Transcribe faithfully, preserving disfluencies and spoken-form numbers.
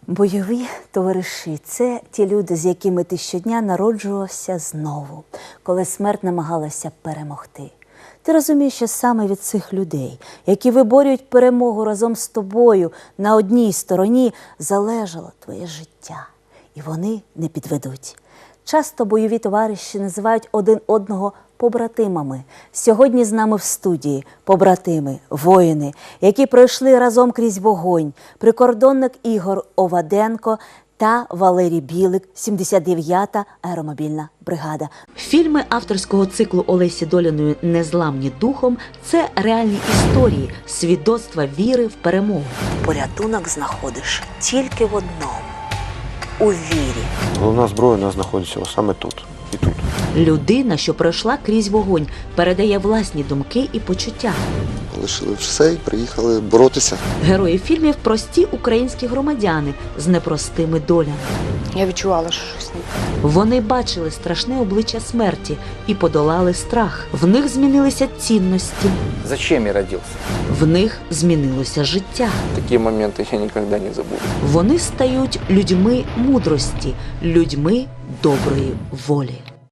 Бойові товариші – це ті люди, з якими ти щодня народжувався знову, коли смерть намагалася перемогти. Ти розумієш, що саме від цих людей, які виборюють перемогу разом з тобою на одній стороні, залежало твоє життя. І вони не підведуть. Часто бойові товариші називають один одного побратимами. Сьогодні з нами в студії побратими, воїни, які пройшли разом крізь вогонь, прикордонник Ігор Оваденко та Валерій Білик, сімдесят дев'ята аеромобільна бригада. Фільми авторського циклу Олесі Доліної «Незламні духом» – це реальні історії, свідоцтва віри в перемогу. Порятунок знаходиш тільки в одному – у вірі. Головна зброя у нас знаходиться саме тут і тут. Людина, що пройшла крізь вогонь, передає власні думки і почуття. Лишили все і приїхали боротися. Герої фільмів – прості українські громадяни з непростими долями. Я відчувала, що щось не так. Вони бачили страшне обличчя смерті і подолали страх. В них змінилися цінності. Зачем я родился? В них змінилося життя. Такие моменты я никогда не забуду. Вони стають людьми мудрості, людьми доброї волі.